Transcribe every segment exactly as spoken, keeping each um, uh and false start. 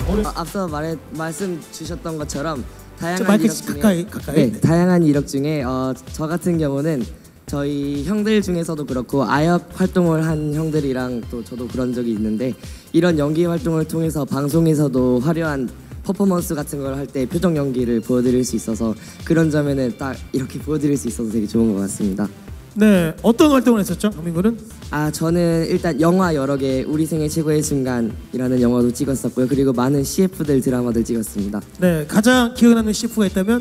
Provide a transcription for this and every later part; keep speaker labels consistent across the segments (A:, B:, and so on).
A: 아, 앞서 말해 말씀 주셨던 것처럼 다양한
B: 마이크
A: 이력 중에
B: 가까이 가까이.
A: 네,
B: 네.
A: 다양한 이력 중에 어, 저 같은 경우는 저희 형들 중에서도 그렇고 아역 활동을 한 형들이랑 또 저도 그런 적이 있는데 이런 연기 활동을 통해서 방송에서도 화려한 퍼포먼스 같은 걸 할 때 표정 연기를 보여드릴 수 있어서 그런 점에는 딱 이렇게 보여드릴 수 있어서 되게 좋은 것 같습니다.
B: 네, 어떤 활동을 했었죠, 강민군은?
A: 아 저는 일단 영화 여러 개 우리 생애 최고의 순간이라는 영화도 찍었었고요. 그리고 많은 씨에프들 드라마들 찍었습니다.
B: 네, 가장 기억에 남는 씨에프가 있다면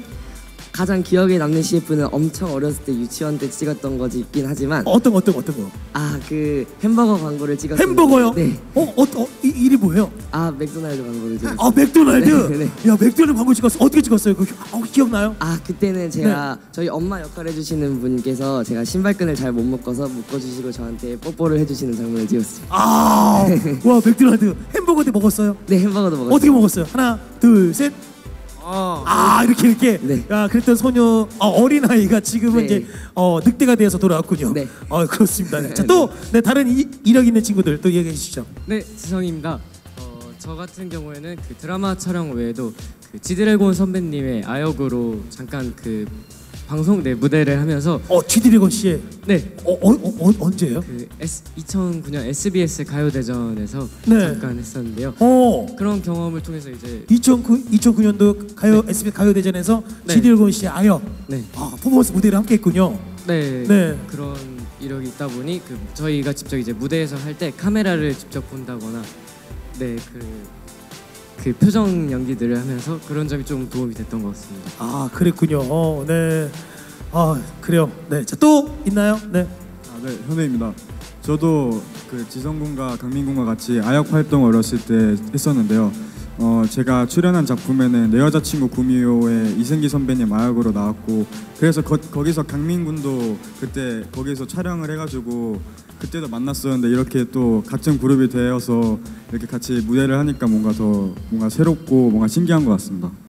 A: 가장 기억에 남는 씨에프는 엄청 어렸을 때 유치원 때 찍었던 거지 있긴 하지만
B: 어떤 거, 어떤 거, 어떤 거?
A: 아 그 햄버거 광고를 찍었어요.
B: 햄버거요?
A: 네.
B: 어, 어, 어 이, 일이 뭐예요?
A: 아 맥도날드 광고를 찍었어요.
B: 아, 맥도날드.
A: 네, 네.
B: 야, 맥도날드 광고 찍었어. 어떻게 찍었어요? 그 어, 기억나요?
A: 아 그때는 제가
B: 네.
A: 저희 엄마 역할 해주시는 분께서 제가 신발끈을 잘 못 묶어서 묶어주시고 저한테 뽀뽀를 해주시는 장면을 찍었어요.
B: 아, 와, 맥도날드 햄버거 때 먹었어요?
A: 네 햄버거도 먹었어요.
B: 어떻게 먹었어요? 하나, 둘, 셋.
A: 아,
B: 아, 이렇게 이렇게.
A: 네.
B: 야, 그랬던 소녀 어, 어린 아이가 지금은
A: 네.
B: 이제 어, 늑대가 되어서 돌아왔군요.
A: 네.
B: 어, 그렇습니다. 네. 자, 또 네, 다른 이, 이력 있는 친구들 또 얘기해 주시죠.
C: 네, 지성입니다. 어, 저 같은 경우에는 그 드라마 촬영 외에도 그 지드래곤 선배님의 아역으로 잠깐 그 방송 내 무대를 하면서
B: 어, 지드래곤 씨의
C: 네,
B: 어, 어, 어, 어 언제예요?
C: 그 S, 이천구 년 에스비에스 가요대전에서
B: 네.
C: 잠깐 했었는데요.
B: 어.
C: 그런 경험을 통해서 이제
B: 이천구, 이천구 년도 가요 에스비에스 가요대전에서
C: 네.
B: 지드래곤 씨의 아역
C: 네,
B: 아, 퍼포먼스 무대를 함께 했군요.
C: 네,
B: 네.
C: 그런 이력이 있다 보니 그 저희가 직접 이제 무대에서 할 때 카메라를 직접 본다거나 네, 그 그 표정 연기들을 하면서 그런 점이 좀 도움이 됐던 것 같습니다.
B: 아, 그랬군요. 어, 네. 아, 그래요. 네. 자, 또 있나요? 네.
D: 아, 네, 현우입니다. 저도 그 지성군과 강민군과 같이 아역 활동 어렸을 때 했었는데요. 어, 제가 출연한 작품에는 내 여자친구 구미호의 이승기 선배님 아역으로 나왔고, 그래서 거, 거기서 강민군도 그때 거기서 촬영을 해가지고 그때도 만났었는데 이렇게 또 같은 그룹이 되어서 이렇게 같이 무대를 하니까 뭔가 더 뭔가 새롭고 뭔가 신기한 것 같습니다.